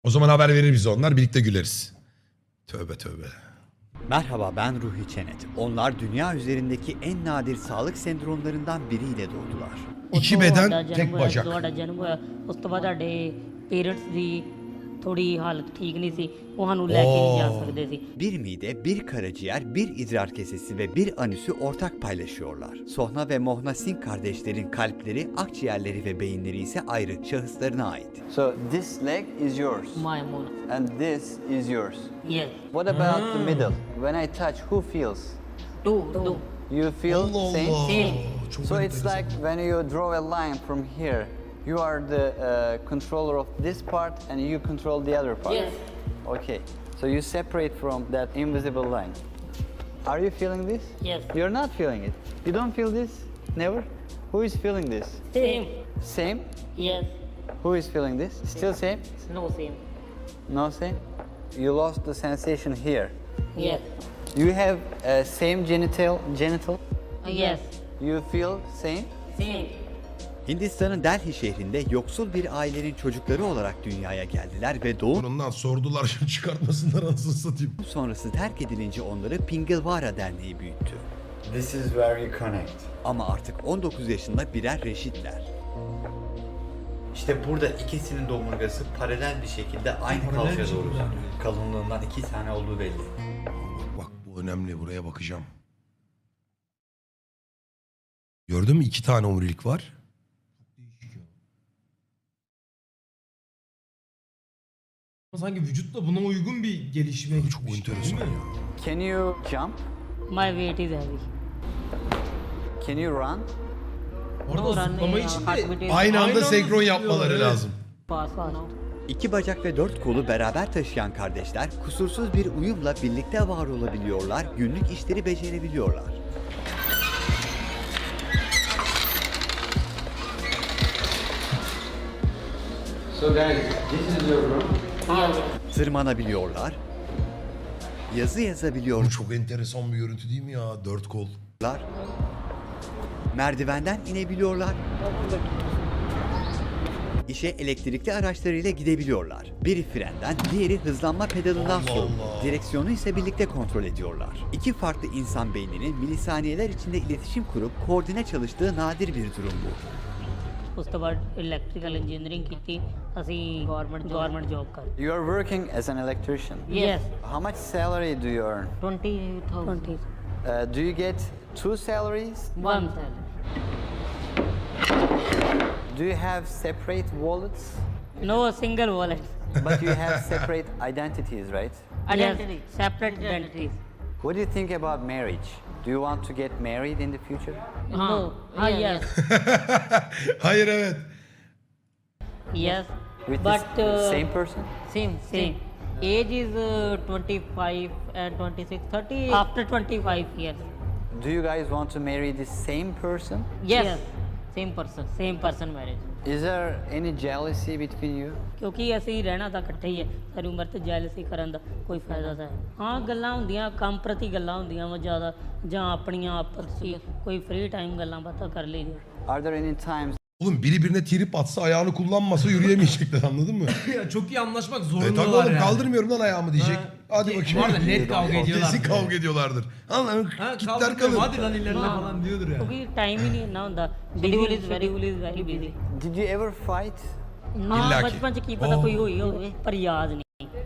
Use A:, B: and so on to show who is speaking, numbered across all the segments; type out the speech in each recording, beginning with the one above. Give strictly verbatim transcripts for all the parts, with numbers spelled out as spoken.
A: O zaman haber verir bize onlar. Birlikte güleriz. Tövbe tövbe.
B: Merhaba, ben Ruhi Çenet. Onlar dünya üzerindeki en nadir sağlık sendromlarından biriyle doğdular.
A: İki beden, tek bacak.
C: ਤੁਹਾਡਾ ਜਨਮ ਹੋਇਆ ਉਸ ਤੋਂ ਬਾਅਦ ਤੁਹਾਡੇ ਪੇਰੈਂਟਸ ਦੀ ਥੋੜੀ ਹਾਲਤ ਠੀਕ ਨਹੀਂ ਸੀ, ਉਹ ਸਾਨੂੰ ਲੈ ਕੇ ਨਹੀਂ ਜਾ ਸਕਦੇ ਸੀ.
B: Bir mide, bir karaciğer, bir idrar kesesi ve bir anüsü ortak paylaşıyorlar. Sohna ve Mohna Singh kardeşlerin kalpleri, akciğerleri ve beyinleri ise ayrı şahıslarına ait.
D: So this leg is yours
C: My mom.
D: and this is yours.
C: Yes.
D: What about the middle? When I touch, who feels?
C: Do do.
D: You feel
A: Allah
D: same?
A: Allah.
C: Same.
A: Çok
D: So it's
A: enteresan.
D: like when you draw a line from here, you are the uh, controller of this part and you control the other part.
C: Yes.
D: Okay. So you separate from that invisible line. Are you feeling this?
C: Yes.
D: You're not feeling it. You don't feel this? Never? Who is feeling this?
C: Same.
D: Same?
C: Yes.
D: Who is feeling this? Still same?
C: No same.
D: No same? You lost the sensation here.
C: Yes.
D: You have uh, same genital genital.
C: Yes.
D: You feel same?
C: Same.
B: Hindistan'ın Delhi şehrinde yoksul bir ailenin çocukları olarak dünyaya geldiler ve doğum
A: Bundan sordular şimdi çıkartmasınlar anasını satayım.
B: sonrası terk edilince onları Pingalvara Derneği büyüttü.
D: This is where you connect.
B: Ama artık on dokuz yaşında birer reşitler. İşte burada ikisinin omurgası paralel bir şekilde aynı kalçaya doğru uzanıyor. Kalınlığından iki tane olduğu belli.
A: Bak bak bu önemli, buraya bakacağım. Gördün mü iki tane omurilik var.
E: Sanki vücutla buna uygun bir gelişime
A: Çok
E: gitmiş,
A: enteresan
E: değil mi?
A: ya.
D: Can you jump?
C: My weight is heavy.
D: Can you run?
E: Orada
C: No
E: zıplama
C: running,
E: için
C: uh,
E: de
C: heartbeat is
A: Aynı anda
E: anda
A: senkron
E: zıplıyorlar,
A: yapmaları
E: evet.
A: lazım.
C: fast now.
B: İki bacak ve dört kolu beraber taşıyan kardeşler kusursuz bir uyumla birlikte var olabiliyorlar, günlük işleri becerebiliyorlar.
D: So guys, this is your room.
B: Tırmanabiliyorlar, yazı yazabiliyorlar,
A: Bu çok enteresan bir görüntü değil mi ya? Dört kol.
B: merdivenden inebiliyorlar, işe elektrikli araçlarıyla gidebiliyorlar. Biri frenden, diğeri hızlanma pedalından
A: Allah
B: sorumlu.
A: Allah.
B: Direksiyonu ise birlikte kontrol ediyorlar. İki farklı insan beyninin milisaniyeler içinde iletişim kurup koordine çalıştığı nadir bir durum bu.
C: ਉਸ ਤੋਂ ਬਾਅਦ electrical engineering ਕੀਤੀ, ਅਸੀਂ government government job ਕਰ.
D: You are working as an electrician.
C: Yes.
D: How much salary do you earn?
C: twenty thousand.
D: Uh, do you get two salaries?
C: One salary.
D: Do you have separate wallets?
C: No single wallet.
D: But you have separate identities, right?
C: Identity. Separate identities.
D: What do you think about marriage? Do you want to get married in the future?
C: No. Ah, yes.
A: Hayır evet.
C: Yes.
D: With
C: But
D: the
C: uh,
D: same person?
C: Same, same. Age is uh, twenty-five and twenty-six, thirty after twenty-five years.
D: Do you guys want to marry the same person?
C: Yes. Same person, same person marriage.
D: Is there any jealousy between you?
C: ਕਿਉਂਕਿ ਅਸੀਂ ਰਹਿਣਾ ਤਾਂ ਇਕੱਠੇ ਹੀ ਹੈ, ਸਾਰੀ ਉਮਰ ਤੇ ਜੈਲਸੀ ਕਰਨ ਦਾ ਕੋਈ ਫਾਇਦਾ ਤਾਂ ਹੈ. ਹਾਂ ਗੱਲਾਂ ਹੁੰਦੀਆਂ, ਕੰਮ ਪ੍ਰਤੀ ਗੱਲਾਂ ਹੁੰਦੀਆਂ ਵਾ ਜ਼ਿਆਦਾ, ਜਾਂ ਆਪਣੀਆਂ ਆਪਸ 'ਚ ਕੋਈ ਫ੍ਰੀ ਟਾਈਮ ਗੱਲਾਂ ਬਾਤਾਂ ਕਰ ਲਈਦੀਆਂ.
D: Are there any times
A: Oğlum biri birine trip atsa ayağını kullanmasa yürüyemeyecekler anladın mı?
E: Ya çok iyi anlaşmak
A: E tabii
E: zorundalar
A: oğlum
E: yani.
A: kaldırmıyorum lan ayağımı diyecek.
E: Ha.
A: Hadi
E: Ki-
A: bakayım.
E: Bu arada net kavga ediyorlar.
A: Kesin kavga ediyorlardır. Allah'ım
E: Ha
A: kitler
E: kaldırmıyorum,
A: kalır.
E: hadi lan ilerine falan diyordur ya.
C: ਕਿਉਂਕਿ time ਹੀ ਨਹੀਂ ਇੰਨਾ ਹੁੰਦਾ, schedule is very is very busy.
D: did you ever fight?
C: ਨਾ
A: ਇੱਲਾ ਕੀ?
C: ਬਚਪਨ 'ਚ ਕੀ ਪਤਾ
A: Oh.
C: ਕੋਈ ਹੋਈ ਹੋਵੇ, ਪਰ ਯਾਦ ਨਹੀਂ.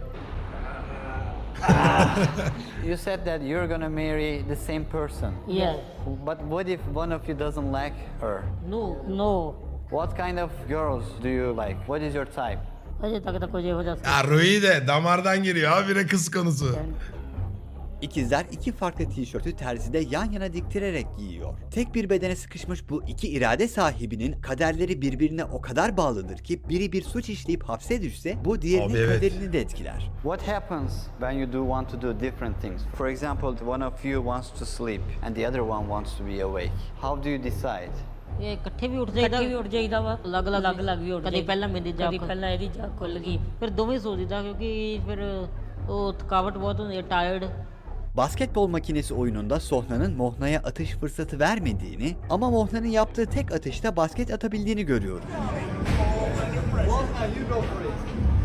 D: You said that you're gonna marry the same person.
C: Yes.
D: But what if one of you doesn't like her?
C: No. No.
D: What kind of girls do you like? What is your type?
C: ਅਜੇ ਤੱਕ ਤਾਂ ਕੁਝ ਇਹੋ ਜਿਹਾ
A: Ya Rui de damardan giriyor habire kız konusu.
B: İkizler iki farklı tişörtü terzide yan yana diktirerek giyiyor. Tek bir bedene sıkışmış bu iki irade sahibinin kaderleri birbirine o kadar bağlıdır ki biri bir suç işleyip hapse düşse bu diğerinin
A: Abi evet.
B: kaderini de etkiler.
D: What happens when you do want to do different things? For example, one of you wants to sleep and the other one wants to be awake. How do you decide?
C: ਇਹ ਇਕੱਠੇ ਵੀ ਉੱਠ ਜਾਈਦਾ ਵੀ ਉੱਠ ਜਾਈਦਾ ਵਾ, ਅਲੱਗ ਅਲੱਗ ਅਲੱਗ ਅਲੱਗ ਵੀ ਉੱਠ ਕਦੀ ਪਹਿਲਾਂ ਮੇਰੀ ਜਾਗ, ਕਦੀ ਪਹਿਲਾਂ ਇਹਦੀ ਜਾਗ ਖੁੱਲ ਗਈ, ਫਿਰ ਦੋਵੇਂ ਸੋ ਜਿੱਦਾਂ, ਕਿਉਂਕਿ ਫਿਰ ਉਹ ਥਕਾਵਟ ਬਹੁਤ ਹੁੰਦੀ ਹੈ, ਟਾਇਰਡ.
B: Basketbol makinesi oyununda Sohna'nın Mohna'ya atış fırsatı vermediğini ama Mohna'nın yaptığı tek atışta basket atabildiğini görüyoruz.
D: Mohna, you go for it.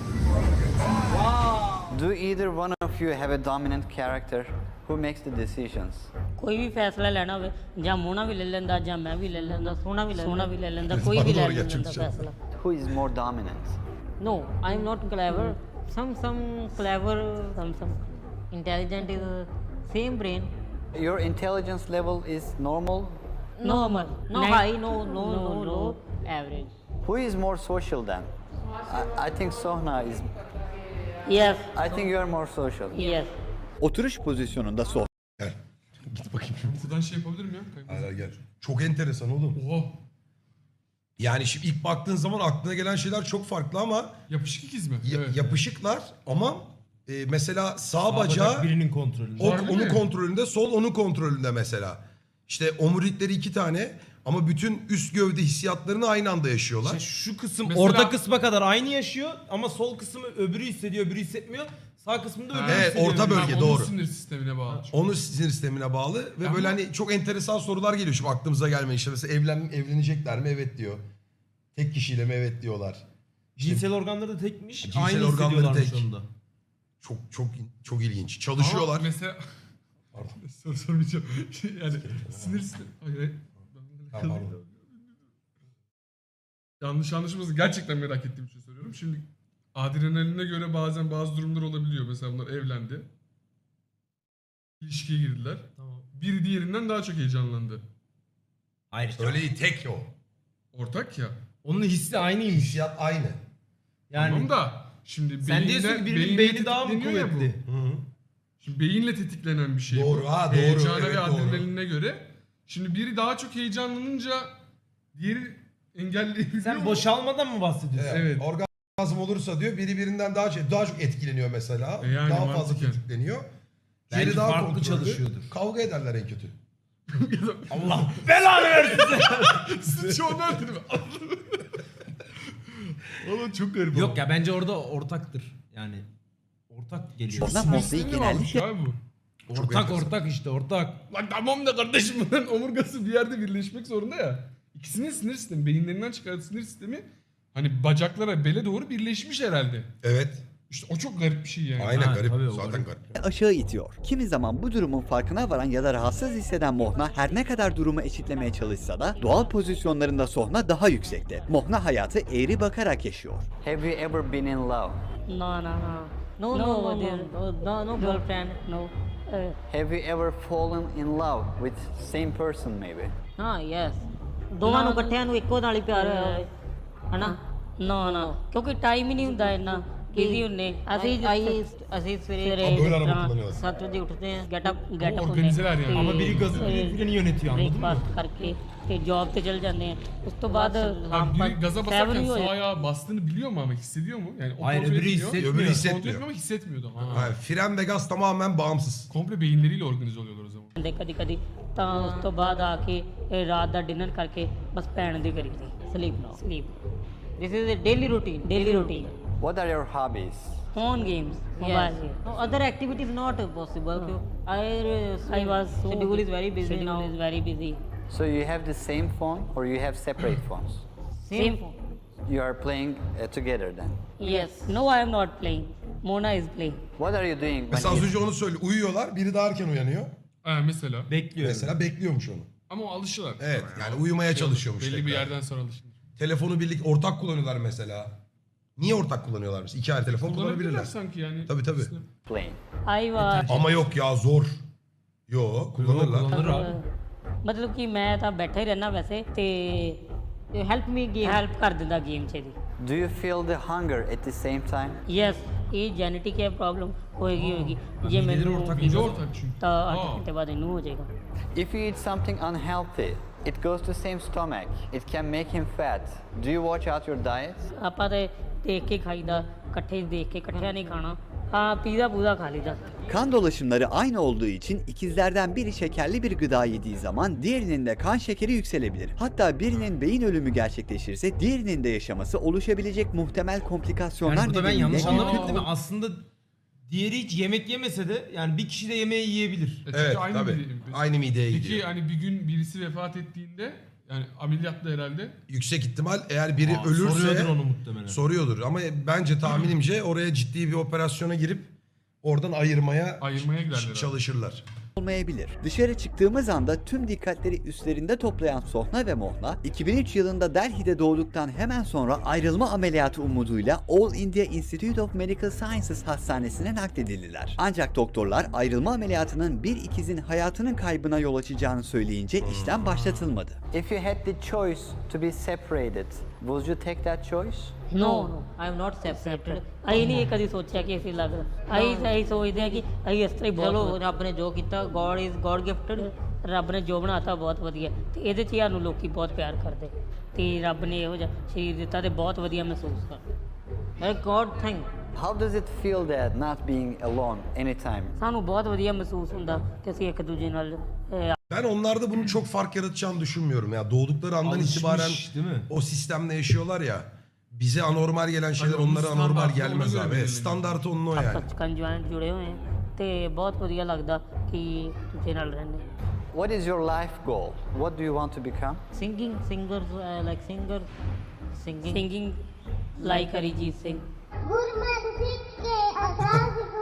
D: Do either one of you have a dominant character who makes the decisions?
C: ਕੋਈ ਵੀ ਫੈਸਲਾ ਲੈਣਾ ਹੋਵੇ ਜਾਂ ਮੋਨਾ ਵੀ ਲੈ ਲੈਂਦਾ ਜਾਂ ਮੈਂ ਵੀ ਲੈ ਲੈਂਦਾ ਸੋਨਾ ਵੀ ਲੈ ਸੋਨਾ ਵੀ ਲੈ ਲੈਂਦਾ ਕੋਈ ਵੀ ਲੈ
A: Doğru
C: ਲੈਂਦਾ
A: gerçekten.
C: ਫੈਸਲਾ
D: Who is more dominant?
C: No, I'm not clever. Some some clever, some some intelligent is uh, same brain.
D: Your intelligence level is normal.
C: Normal. No
F: Nine-
C: high, no no no low, average.
D: Who is more social then? I, I think Sohna is.
C: Yes.
D: I think you are more social.
C: Yes.
B: Oturuş pozisyonunda sohbet
A: Gel. Git bakayım.
E: Buradan şey yapabilir miyim ya?
A: Hayır hayır, gel. Çok enteresan oğlum.
E: Oha.
A: Yani şimdi ilk baktığın zaman aklına gelen şeyler çok farklı ama
E: Yapışık ikiz mi?
A: ya-
E: Evet.
A: yapışıklar ama e, mesela sağ,
E: Sağ
A: bacağı
E: bacak birinin kontrolünde.
A: o,
E: Harbi
A: onun
E: mi?
A: kontrolünde, sol onun kontrolünde mesela. İşte omurilikleri iki tane ama bütün üst gövde hissiyatlarını aynı anda yaşıyorlar.
E: İşte şu kısım
G: Mesela-
E: orta kısma kadar aynı yaşıyor ama sol kısmı öbürü hissediyor, öbürü hissetmiyor. Sağ kısmında öbürü
A: Evet,
E: hissediyor.
A: orta bölge,
E: Tamam,
A: doğru.
E: Onun sinir sistemine bağlı.
A: Onun sinir sistemine bağlı ve
E: Ama-
A: böyle hani çok enteresan sorular geliyor şimdi aklımıza gelmeyen işte mesela evlen evlenecekler mi? Evet diyor. Tek kişiyle mi? Evet diyorlar.
E: Cinsel organları da tekmiş.
A: Cinsel
E: aynı
A: organları
E: hissediyorlarmış
A: tek.
E: onda.
A: Çok çok çok ilginç. Çalışıyorlar.
E: Ama mesela soru sormayacağım. Şey, yani sinir sistemi. Hayır, hayır.
A: Ha, pardon.
E: Yanlış anlaşılmasın. Gerçekten merak ettiğim için soruyorum. Şimdi adrenaline göre bazen bazı durumlar olabiliyor. Mesela bunlar evlendi. İlişkiye girdiler.
G: Tamam.
E: Biri diğerinden daha çok heyecanlandı.
G: Hayır işte.
A: Öyle değil, tek o.
E: Ortak ya.
G: Onun hissi aynıymış.
A: Hissiyat aynı.
G: Yani
E: Tamam da şimdi
G: sen
E: beyinle-
G: diyorsun ki birinin
E: beyinle
G: beyni daha mı
E: tetikleniyor ya bu.
G: kuvvetli?
A: Hı hı.
E: Şimdi beyinle tetiklenen bir şey
A: Doğru,
E: bu.
A: ha, doğru,
E: Heyecana
A: evet,
E: ve
A: doğru.
E: adrenaline göre. Şimdi biri daha çok heyecanlanınca diğeri engelleyebiliyor.
G: Sen
E: mu?
G: boşalmadan mı bahsediyorsun?
A: Evet.
E: Evet.
A: Orgazm olursa diyor biri birinden daha çok, daha çok etkileniyor mesela.
E: E yani
A: daha fazla
E: mantıken.
A: tetikleniyor.
G: Belki
A: Diğeri daha
G: farklı
A: kontrollü.
G: çalışıyordur.
A: Kavga ederler en kötü.
G: Allah belanı versin.
E: Sıçı onlar dedim. Oğlum çok garip.
G: Yok ya bence orada ortaktır. Yani ortak geliyor.
B: Ondan
E: Sinir
B: Mosley
E: sistemi
B: genellikle-
E: varmış abi bu.
G: Ortak
A: enteresan.
G: ortak işte ortak.
E: Lan tamam da kardeşim bunların omurgası bir yerde birleşmek zorunda ya. İkisinin sinir sistemi, beyinlerinden çıkardığı sinir sistemi hani bacaklara, bele doğru birleşmiş herhalde.
A: Evet.
E: İşte o çok garip bir şey yani.
A: Aynen
G: Ha,
A: garip.
G: tabii, o
A: Zaten
G: garip.
A: garip.
B: aşağı itiyor. Kimi zaman bu durumun farkına varan ya da rahatsız hisseden Mohna her ne kadar durumu eşitlemeye çalışsa da doğal pozisyonlarında Sohna daha yüksekte. Mohna hayatı eğri bakarak yaşıyor.
D: Have you ever been in love?
C: No no no. No no no dear. no no, no girlfriend no. Evet.
D: Have you ever fallen in love with same person maybe?
C: ਹਾਂ yes ਦੋਵਾਂ ਨੂੰ ਇਕੱਠਿਆਂ ਨੂੰ ਇੱਕੋ ਨਾਲ ਹੀ ਪਿਆਰ ਹੋਇਆ ਹੋਵੇ ਹਨਾ ਨਾ ਨਾ ਕਿਉਂਕਿ ਟਾਈਮ ਹੀ ਨਹੀਂ ਹੁੰਦਾ ਇੰਨਾ ਬਿਜ਼ੀ ਹੁੰਨੇ ਅਸੀਂ ਅਸੀਂ ਅਸੀਂ ਸਵੇਰੇ
A: Abi böyle
C: ਜਿਸ
A: araba
C: ਤਰ੍ਹਾਂ
A: kullanıyorlar.
C: ਸੱਤ ਵਜੇ ਉੱਠਦੇ ਹਾਂ get up get up
E: organizeler yani.
G: Ama biri gazı biri freni yönetiyor anladın mı?
C: Breakfast ਕਰਕੇ ਤੇ ਜੌਬ ਤੇ ਚਲ ਜਾਂਦੇ ਆ ਉਸ ਤੋਂ ਬਾਅਦ
E: Abi biri gaza
C: seven
E: basarken
C: ਹੀ ਹੋ
E: sağ
C: ਜਾਂਦਾ।
E: ayağı bastığını biliyor mu ama hissediyor mu? Yani o
G: Hayır,
E: kontrol
G: öbürü
E: ediyor.
G: hissetmiyor.
A: Öbürü
E: Kontrol
A: hissetmiyor.
E: etmiyor ama hissetmiyordu. Ha.
A: Ha, fren ve gaz tamamen bağımsız.
E: Komple beyinleriyle organize oluyorlar o zaman.
C: ਹੁੰਦੇ ਕਦੀ ਕਦੀ ਤਾਂ ਉਸ ਤੋਂ ਬਾਅਦ ਆ ਕੇ ਇਹ ਰਾਤ ਦਾ ਡਿਨਰ ਕਰਕੇ ਬਸ ਪੈਣ ਦੀ ਕਰੀ ਦੀ ਸਲੀਪ ਨਾ sleep this is a daily routine daily routine
D: What are your hobbies?
C: Phone games mobile games
F: No, other activities not possible. I, uh,
C: I was so
F: schedule is very busy
C: schedule
F: now.
C: is very busy.
D: So you have the same phone or you have separate phones?
C: Same.
D: You are playing uh, together then.
C: Yes. No, I am not playing. Mona is playing.
D: What are you doing when
A: Mesela az
D: you...
A: önce onu söyle. Uyuyorlar. Biri daha erken uyanıyor.
E: Ha mesela.
G: Bekliyorum.
A: Mesela bekliyormuş onu.
E: Ama o alışırlar.
A: Evet, yani uyumaya çalışıyormuş
E: Belli bir
A: tekrar.
E: yerden sonra alışılır.
A: Telefonu birlik ortak kullanıyorlar mesela. Niye ortak kullanıyorlar mesela? İki ayrı telefon
E: Kullanabilirler
A: kullanabilirler.
E: sanki yani.
A: Tabii, tabii.
D: playing?
C: I was
A: Ama yok ya zor. Yo kullanırlar.
G: kullanır abi.
C: ਮਤਲਬ ਕਿ ਮੈਂ ਤਾਂ ਬੈਠਾ ਹੀ ਰਹਿਣਾ ਵੈਸੇ ਤੇ
F: Help me game.
C: Help ਕਰ ਦਿੰਦਾ ਗੇਮ 'ਚ ਦੀ
D: Do you feel the hunger at the same time?
C: Yes ਇਹ ਜੈਨੇਟਿਕ ਹੈ ਪ੍ਰੋਬਲਮ ਹੋਏਗੀ ਹੋਏਗੀ ਜੇ
G: Mideleri
C: ਮੈਨੂੰ
G: ortak
E: İnce ortak çünkü.
C: ਤਾਂ ਅੱਠ
E: Aa.
C: ਘੰਟੇ ਬਾਅਦ ਇਹਨੂੰ ਹੋ ਜਾਏਗਾ
D: If you eat something unhealthy, it goes to same stomach. It can make him fat. Do you watch out your diet?
C: ਆਪਾਂ ਤੇ ਦੇਖ ਕੇ ਖਾਈਦਾ ਇਕੱਠੇ ਦੇਖ ਕੇ ਇਕੱਠਿਆਂ ਨਹੀਂ ਖਾਣਾ ਹਾਂ ਪੀਜ਼ਾ ਪੂਜ਼ਾ ਖਾ ਲਈਦਾ
B: Kan dolaşımları aynı olduğu için ikizlerden biri şekerli bir gıda yediği zaman diğerinin de kan şekeri yükselebilir. Hatta birinin beyin ölümü gerçekleşirse diğerinin de yaşaması oluşabilecek muhtemel komplikasyonlar
G: Yani burada ben
B: nedeniyle
G: yanlış
B: büyük-
G: anlamadım değil mi? Aslında diğeri hiç yemek yemese de yani bir kişi de yemeği yiyebilir.
E: E çünkü
A: Evet
E: aynı
A: tabii.
E: mide-
A: Aynı mideye
E: Peki
A: gidiyor.
E: hani bir gün birisi vefat ettiğinde Yani ameliyatla herhalde.
A: Yüksek ihtimal eğer biri
G: Aa,
A: ölürse
G: soruyordur onu muhtemelen.
A: soruyordur. Ama bence tahminimce oraya ciddi bir operasyona girip oradan ayırmaya,
E: Ayırmaya giderler
A: ç-
E: abi.
A: çalışırlar.
B: olmayabilir. Dışarı çıktığımız anda tüm dikkatleri üstlerinde toplayan Sohna ve Mohna, iki bin üç yılında Delhi'de doğduktan hemen sonra ayrılma ameliyatı umuduyla All India Institute of Medical Sciences hastanesine nakledildiler. Ancak doktorlar ayrılma ameliyatının bir ikizin hayatının kaybına yol açacağını söyleyince işlem başlatılmadı.
D: If you had the choice to be separated, would you take that choice?
F: No, no, I am not separated.
C: ਅਸੀਂ ਨਹੀਂ ਇਹ ਕਦੀ ਸੋਚਿਆ ਕਿ ਅਸੀਂ ਲੱਗ ਅਸੀਂ ਅਸੀਂ ਸੋਚਦੇ ਹਾਂ ਕਿ ਅਸੀਂ ਇਸ ਤਰ੍ਹਾਂ ਹੀ
F: ਚਲੋ
C: ਬਹੁਤ
F: ਰੱਬ ਨੇ ਜੋ ਕੀਤਾ ਗੋਡ ਇਜ਼ ਗੋਡ ਗਿਫਟਡ।
C: ਰੱਬ ਨੇ ਜੋ ਬਣਾਤਾ ਬਹੁਤ ਵਧੀਆ ਤੇ ਇਹਦੇ 'ਚ ਹੀ ਸਾਨੂੰ ਲੋਕੀ ਬਹੁਤ ਪਿਆਰ ਕਰਦੇ ਤੇ ਰੱਬ ਨੇ ਇਹੋ ਜਿਹਾ ਸਰੀਰ ਦਿੱਤਾ ਤੇ ਬਹੁਤ ਵਧੀਆ ਮਹਿਸੂਸ ਕਰਦੇ।
F: A good thing.
D: How does it feel that not being alone anytime?
C: ਸਾਨੂੰ ਬਹੁਤ ਵਧੀਆ ਮਹਿਸੂਸ ਹੁੰਦਾ ਕਿ ਅਸੀਂ ਇੱਕ ਦੂਜੇ ਨਾਲ ਅਹ,
A: Ben onlarda bunun çok fark yaratacağını düşünmüyorum ya. Doğdukları andan
G: Alışmış,
A: itibaren
G: değil mi?
A: o sistemle yaşıyorlar ya. Bize anormal gelen şeyler
E: Tabii onun
A: onlara anormal
E: standartı
A: gelmez
E: ona göre
A: abi.
E: belirleniyor.
A: Standartı onun o yani.
C: Sachkhand joint ਜੁੜੇ ਹੋਏ ਹਾਂ ਤੇ ਬਹੁਤ ਵਧੀਆ ਲੱਗਦਾ ਕਿ ਦੂਜੇ ਨਾਲ ਰਹਿੰਦੇ।
D: What is your life goal? What do you want to become?
F: Singing, singers, uh, like singer, singing.
C: Singing like Arijit Singh.
H: Gurmat Sikh के आजाद को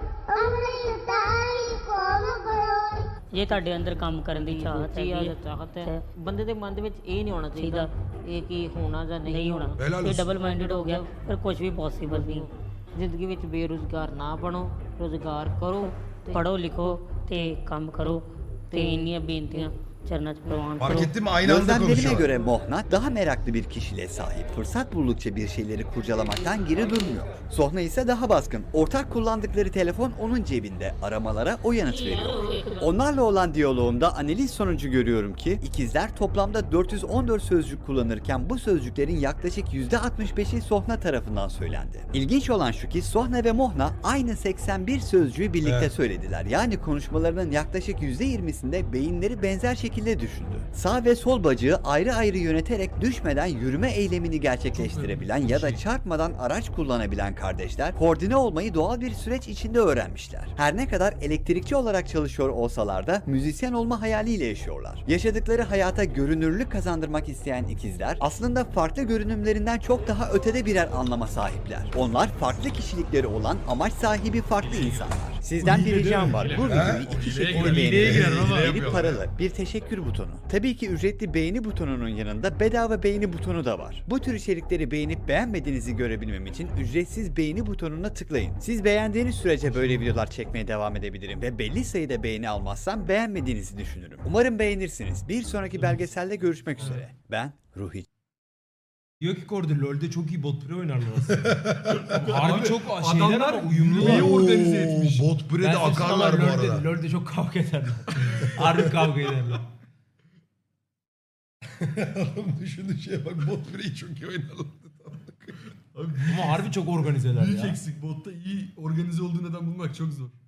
H: अमृत तारी कौम बड़ोई।
C: ਜੇ ਤੁਹਾਡੇ ਅੰਦਰ ਕੰਮ ਕਰਨ ਦੀ ਚਾਹਤ
F: ਰੁਚੀ ਆ
C: ਹੈਗੀ
F: ਜਾਂ ਚਾਹਤ ਹੈ ਬੰਦੇ ਦੇ ਮਨ ਦੇ ਵਿੱਚ ਇਹ ਨਹੀਂ ਹੋਣਾ ਚਾਹੀਦਾ ਇਹ ਕੀ ਹੋਣਾ ਜਾਂ ਨਹੀਂ
C: ਨਹੀਂ ਹੋਣਾ
A: Helal
C: ਇਹ
A: olsun.
C: ਡਬਲ ਮਾਈਂਡਡ ਹੋ ਗਿਆ ਪਰ ਕੁਝ ਵੀ ਪੋਸੀਬਲ ਨਹੀਂ।
F: ਜ਼ਿੰਦਗੀ ਵਿੱਚ ਬੇਰੁਜ਼ਗਾਰ ਨਾ ਬਣੋ ਰੁਜ਼ਗਾਰ ਕਰੋ ਤੇ
C: ਪੜੋ ਲਿਖੋ ਤੇ ਕੰਮ ਕਰੋ ਤੇ ਇੰਨੀਆਂ ਬੇਨਤੀਆਂ ਚਰਨਾਂ 'ਚ ਪ੍ਰਵਾਨ
A: Fark
C: ਕਰੋ।
A: ettin mi? Aynı anda
B: Gözlemlerime
A: konuşuyorlar.
B: göre Mohna daha meraklı bir kişiliğe sahip. Fırsat buldukça bir şeyleri kurcalamaktan geri durmuyor. Sohna ise daha baskın. Ortak kullandıkları telefon onun cebinde. Aramalara o yanıt veriyor. Onlarla olan diyaloğumda analiz sonucu görüyorum ki ikizler toplamda dört yüz on dört sözcük kullanırken bu sözcüklerin yaklaşık yüzde altmış beşi Sohna tarafından söylendi. İlginç olan şu ki Sohna ve Mohna aynı seksen bir sözcüğü birlikte
A: Evet.
B: söylediler. Yani konuşmalarının yaklaşık yüzde yirmisinde beyinleri benzer şekilde düşündü. Sağ ve sol bacağı ayrı ayrı yöneterek düşmeden yürüme eylemini gerçekleştirebilen ya da çarpmadan araç kullanabilen kardeşler koordine olmayı doğal bir süreç içinde öğrenmişler. Her ne kadar elektrikçi olarak çalışıyor olsalar da müzisyen olma hayaliyle yaşıyorlar. Yaşadıkları hayata görünürlük kazandırmak isteyen ikizler aslında farklı görünümlerinden çok daha ötede birer anlama sahipler. Onlar farklı kişilikleri olan amaç sahibi farklı insanlar. Sizden bir ricam var. Bu videoyu iki
E: Hileye
B: şekilde
E: girer, hileye
B: beğenin.
E: girer ama.
B: Biri
E: Yapıyorlar.
B: paralı, bir teşekkür butonu. Tabii ki ücretli beğeni butonunun yanında bedava beğeni butonu da var. Bu tür içerikleri beğenip beğenmediğinizi görebilmem için ücretsiz beğeni butonuna tıklayın. Siz beğendiğiniz sürece böyle videolar çekmeye devam edebilirim ve belli sayıda beğeni almazsam beğenmediğinizi düşünürüm. Umarım beğenirsiniz. Bir sonraki belgeselde görüşmek üzere. Ben Ruhi.
G: Diyor ki Kordi LoL'de çok iyi bot pre oynarlar aslında. Harbi çok şeyler
E: adamlar
G: ama uyumlular.
E: iyi organize etmiş.
A: Bot
G: Ben
A: bre'de
G: size
A: akarlar bu
G: söyleyeyim,
A: arada.
G: LoL'de, LoL'de çok kavga ederler. Harbi kavga ederler.
A: Adam düşündüğü şeye bak, bot bre'yi çok iyi oynarlar.
G: Ama harbi çok organizeler
E: Büyük
G: ya.
E: eksik. Botta iyi organize olduğu neden bulmak çok zor.